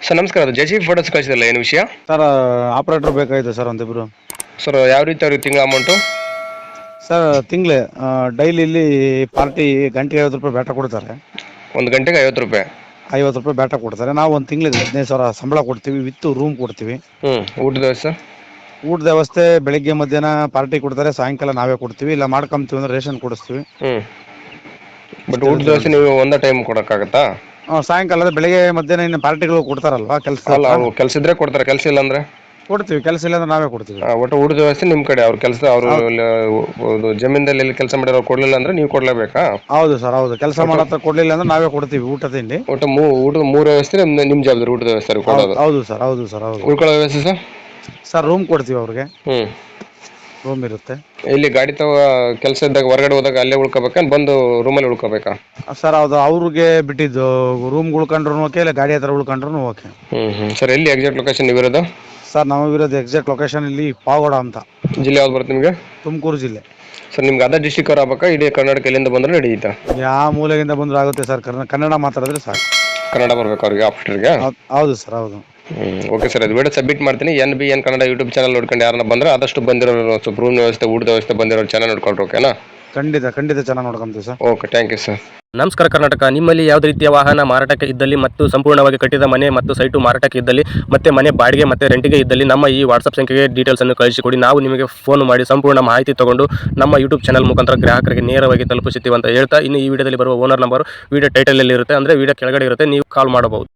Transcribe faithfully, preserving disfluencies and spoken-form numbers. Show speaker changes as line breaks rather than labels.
Sir ನಮಸ್ಕಾರ, ಅದು J C B photos ಕಳಿಸಿದಲ್ಲ, ಏನು ವಿಷಯ?
ಸರ್ ಆಪ್ರೇಟ್ರ್ ಬೇಕಾಗಿದೆ ಸರ್ ಒಂದಿಬ್ರು.
ಸರ್ ಯಾವ ರೀತಿ ಅವ್ರಿಗೆ ತಿಂಗಳ ಅಮೌಂಟು?
ಸರ್ ತಿಂಗಳೇ ಡೈಲಿ ಇಲ್ಲಿ ಪಾರ್ಟಿ ಗಂಟೆಗೆ ಐವತ್ತು ರೂಪಾಯಿ ಬ್ಯಾಟ ಕೊಡ್ತಾರೆ.
ಒಂದು ಗಂಟೆಗೆ ಐವತ್ತು ರೂಪಾಯಿ
ಐವತ್ತು ರೂಪಾಯಿ ಬ್ಯಾಟ ಕೊಡ್ತಾರೆ. ನಾವು ಒಂದು ತಿಂಗಳಿಗೆ ಹದಿನೈದು ಸಾವಿರ ಸಂಬಳ ಕೊಡ್ತೀವಿ, ವಿತ್ ರೂಮ್ ಕೊಡ್ತೀವಿ.
ಹ್ಞೂ ಊಟದ ವ್ಯವಸ್ಥೆ?
ಊಟದ ವ್ಯವಸ್ಥೆ ಬೆಳಿಗ್ಗೆ ಮಧ್ಯಾಹ್ನ ಪಾರ್ಟಿ ಕೊಡ್ತಾರೆ, ಸಾಯಂಕಾಲ ನಾವೇ ಕೊಡ್ತೀವಿ. ಇಲ್ಲ ಮಾಡ್ಕೊಂತೀವಿ ಅಂದ್ರೆ ರೇಷನ್ ಕೊಡಿಸ್ತೀವಿ.
ಹ್ಞೂ ಬಟ್ ಊಟದ ವ್ಯವಸ್ಥೆ ನೀವು ಒಂದೇ ಟೈಮ್ ಕೊಡೋಕ್ಕಾಗತ್ತಾ?
ಹಾಂ, ಸಾಯಂಕಾಲ ಅಂದ್ರೆ ಬೆಳಿಗ್ಗೆ ಮಧ್ಯಾಹ್ನ ಇನ್ನು ಪಾರ್ಟಿಗಳು ಕೊಡ್ತಾರಲ್ವಾ ಕೆಲಸ.
ಅಲ್ಲ, ಅವ್ರು ಕೆಲಸ ಇದ್ರೆ ಕೊಡ್ತಾರೆ, ಕೆಲಸ ಇಲ್ಲ ಅಂದರೆ
ಕೊಡ್ತೀವಿ, ಕೆಲಸ ಇಲ್ಲ ಅಂದ್ರೆ ನಾವೇ ಕೊಡ್ತೀವಿ.
ಒಟ್ಟು ಊಟದ ವ್ಯವಸ್ಥೆ ನಿಮ್ಮ ಕಡೆ. ಅವ್ರ ಕೆಲಸ ಅವರು ಜಮೀನಲ್ಲಿ ಎಲ್ಲಿ ಕೆಲಸ ಮಾಡಿರೋ ಕೊಡಲಿಲ್ಲ ಅಂದರೆ ನೀವು ಕೊಡಲೇಬೇಕಾ?
ಹೌದು ಸರ್, ಹೌದು. ಕೆಲಸ ಮಾಡತ್ತ ಕೊಡ್ಲಿಲ್ಲ ಅಂದ್ರೆ ನಾವೇ ಕೊಡ್ತೀವಿ ಊಟ ತಿಂಡಿ.
ಒಟ್ಟು ಮೂ ಊಟದ ಮೂರು ವ್ಯವಸ್ಥೆ ನಿಮ್ಮ ನಿಮ್ಮ ಜವಾಬ್ದಾರಿ, ಊಟದ ವ್ಯವಸ್ಥೆ ಕೊಡೋದು?
ಹೌದು ಸರ್, ಹೌದು ಸರ್, ಹೌದು.
ಉಳ್ಕೊಳ್ಳೋ ವ್ಯವಸ್ಥೆ ಸರ್?
ಸರ್ ರೂಮ್ ಕೊಡ್ತೀವಿ ಅವ್ರಿಗೆ,
ಹ್ಞೂ
ರೂಮ್ ಇರುತ್ತೆ.
ಇಲ್ಲಿ ಗಾಡಿ ತಗೋ ಕೆಲಸ ಇದ್ದಾಗ ಹೊರಗಡೆ ಹೋದಾಗ ಅಲ್ಲೇ ಉಳ್ಕೋಬೇಕಾ, ಬಂದು ರೂಮಲ್ಲಿ ಉಳ್ಕೋಬೇಕಾ?
ಸರ್ ಅದು ಅವ್ರಿಗೆ ಬಿಟ್ಟಿದ್ದು. ರೂಮ್ ಉಳ್ಕೊಂಡ್ರು ಓಕೆ, ಇಲ್ಲ ಗಾಡಿ ಹತ್ರ ಉಳ್ಕೊಂಡ್ರು ಓಕೆ.
ಹ್ಞೂ ಹ್ಞೂ ಸರ್, ಎಲ್ಲಿ ಎಕ್ಸಾಕ್ಟ್ ಲೊಕೇಶನ್ ನೀವಿರೋದು?
ಸರ್ ನಮಗಿರೋದು ಎಕ್ಸಾಕ್ಟ್ ಲೊಕೇಶನ್ ಇಲ್ಲಿ ಪಾವಗಡ ಅಂತ.
ಜಿಲ್ಲೆ ಯಾವ್ದು ಬರುತ್ತೆ ನಿಮಗೆ?
ತುಮಕೂರು ಜಿಲ್ಲೆ.
ಸರ್ ನಿಮ್ಗೆ ಅದೇ ಡಿಸ್ಟಿಕ್ ಅವ್ರು ಆಗ್ಬೇಕಾ, ಇಡೀ ಕರ್ನಾಟಕ ಎಲ್ಲಿಂದ ಬಂದ್ರೆ ನಡೆಯುತ್ತಾ?
ಯಾವ ಮೂಲೆಯಿಂದ ಬಂದರೂ ಆಗುತ್ತೆ ಸರ್, ಕನ್ನಡ ಮಾತಾಡಿದ್ರೆ ಸಾಕು.
ಕನ್ನಡ ಬರ್ಬೇಕು ಅವ್ರಿಗೆ, ಆಫ್ಟರ್ಗೆ?
ಹೌದು ಸರ್, ಹೌದು.
ಹ್ಞೂ ಓಕೆ ಸರ್, ಅದು ವಿಡಿಯೋ ಸಬ್ಮಿಟ್ ಮಾಡ್ತೀನಿ. N B N Kannada YouTube channel ನೋಡ್ಕೊಂಡು ಯಾರನ್ನ ಬಂದರೆ ಆದಷ್ಟು ಬಂದಿರೋ ಸ್ವಲ್ಪ ರೂಮ್ ವ್ಯವಸ್ಥೆ, ಊಟದ ವ್ಯವಸ್ಥೆ ಬಂದಿರೋ ಚಾನಲ್ ನೋಡ್ಕೊಂಡ್ರೆ ಓಕೆನಾ?
ಖಂಡಿತ ಖಂಡಿತ ಚೆನ್ನಾಗಿ ನೋಡ್ಕೊಂತೀವಿ sir.
Okay, thank you sir.
ನಮಸ್ಕಾರ ಕರ್ನಾಟಕ. ನಿಮ್ಮಲ್ಲಿ ಯಾವುದೇ ರೀತಿಯ ವಾಹನ ಮಾರಾಟಕ್ಕೆ ಇದ್ದಲ್ಲಿ ಮತ್ತು ಸಂಪೂರ್ಣವಾಗಿ ಕಟ್ಟಿದ ಮನೆ ಮತ್ತು ಸೈಟು ಮಾರಾಟಕ್ಕೆ ಇದ್ದಲ್ಲಿ ಮತ್ತೆ ಮನೆ ಬಾಡಿಗೆ ಮತ್ತು ರೆಂಟಿಗೆ ಇದ್ದಲ್ಲಿ ನಮ್ಮ ಈ ವಾಟ್ಸಪ್ ಸಂಖ್ಯೆಗೆ ಡೀಟೇಲ್ಸನ್ನು ಕಳಿಸಿಕೊಡಿ. ನಾವು ನಿಮಗೆ ಫೋನ್ ಮಾಡಿ ಸಂಪೂರ್ಣ ಮಾಹಿತಿ ತಗೊಂಡು ನಮ್ಮ ಯೂಟ್ಯೂಬ್ ಚಾನಲ್ ಮುಖಾಂತರ ಗ್ರಾಹಕರಿಗೆ ನೇರವಾಗಿ ತಲುಪಿಸುತ್ತೀವಿ ಅಂತ ಹೇಳ್ತಾ, ಇನ್ನು ಈ ವಿಡಿಯೋದಲ್ಲಿ ಬರುವ ಓನರ್ ನಂಬರ್ ವಿಡಿಯೋ ಟೈಟಲಲ್ಲಿ ಇರುತ್ತೆ, ಅಂದರೆ ವಿಡಿಯೋ ಕೆಳಗಡೆ ಇರುತ್ತೆ, ನೀವು ಕಾಲ್ ಮಾಡಬಹುದು.